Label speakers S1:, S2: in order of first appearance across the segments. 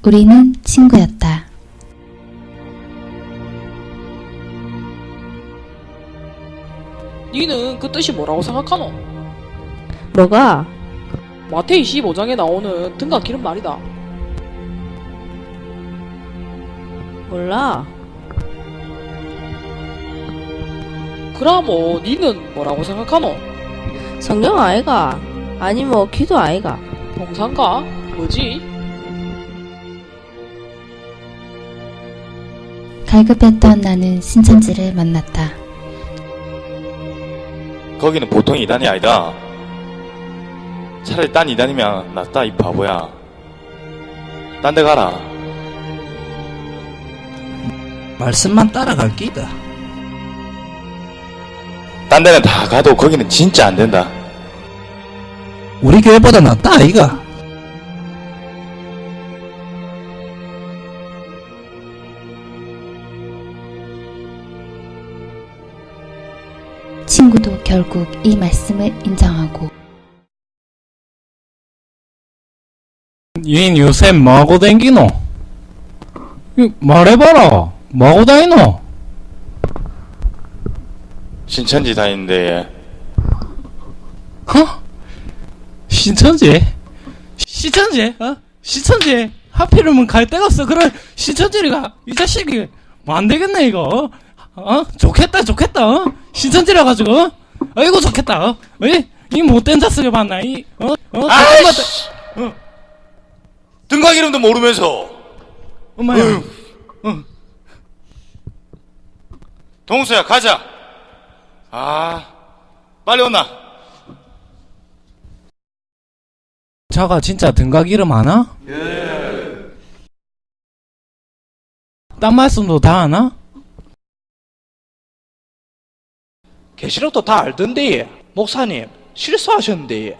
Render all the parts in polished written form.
S1: 우리는 친구였다.
S2: 니는 그 뜻이 뭐라고 생각하노?
S3: 뭐가?
S2: 마태이 15장에 나오는 등각 기름 말이다.
S3: 몰라.
S2: 그라모 니는 뭐라고 생각하노?
S3: 성경 아이가? 아니 뭐 기도 아이가?
S2: 봉산가? 뭐지?
S1: 갈급했던 나는 신천지를 만났다.
S4: 거기는 보통 이단이 아니다. 차라리 딴 이단이면 낫다, 이 바보야. 딴 데 가라.
S5: 말씀만 따라갈 끼다.
S4: 딴 데는 다 가도 거기는 진짜 안 된다.
S5: 우리 교회보다 낫다 아이가.
S1: 친구도 결국 이 말씀을 인정하고
S6: 얜 요새 뭐하고 댕기노? 말해봐라. 뭐하고 다니노?
S4: 신천지 다니는데
S6: 어? 신천지? 신천지? 어? 신천지? 하필이면 갈 데가 없어. 그래 신천지를 가. 이 자식이 뭐 안 되겠네 이거. 어? 좋겠다 좋겠다. 어? 신천지라 가지고. 어? 아이고 좋겠다. 어? 이 못된 자식을 봤나? 이
S4: 아이씨! 등각 이름도 모르면서.
S6: 엄마야.
S4: 동수야, 가자. 아, 빨리 온나.
S6: 자가 진짜 등각 이름 아나? 예. 딴 말씀도 다 아나?
S7: 계시록도 다 알던데. 목사님 실수하셨는데.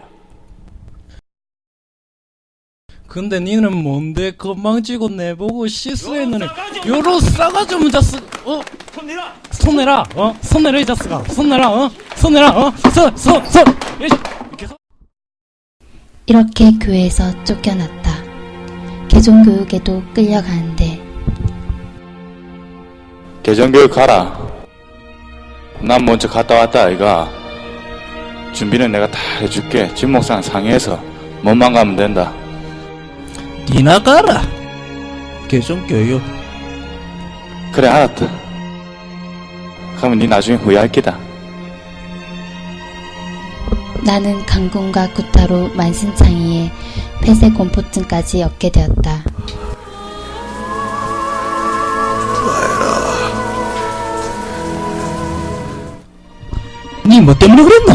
S6: 근데 니는 뭔데 건방지고 내보고 실수했느니 요런 싸가지 없는 자식. 손 내라. 손 내라 이 자식아. 손 내라. 손 내라. 손 이렇게
S1: 이렇게 교회에서 쫓겨났다. 개종교육에도 끌려가는데
S4: 개정교육 가라. 난 먼저 갔다 왔다, 아이가. 준비는 내가 다 해줄게. 진목상 상의해서 몸만 가면 된다.
S5: 니나 가라. 개종교육.
S4: 그래, 알았다. 그러면 니 나중에 후회할 기다.
S1: 나는 강군과 구타로 만신창이에 폐쇄공포증까지 얻게 되었다.
S5: 니 뭐 때문에 그랬노?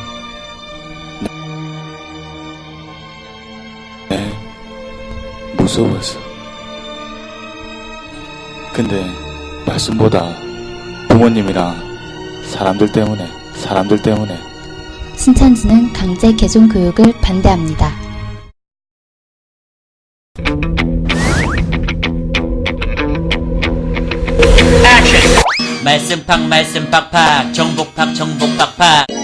S4: 네, 무서워서. 근데 말씀보다 부모님이랑 사람들 때문에
S1: 신천지는 강제 개종교육을 반대합니다.
S8: 말씀 팍팍 정복 팍팍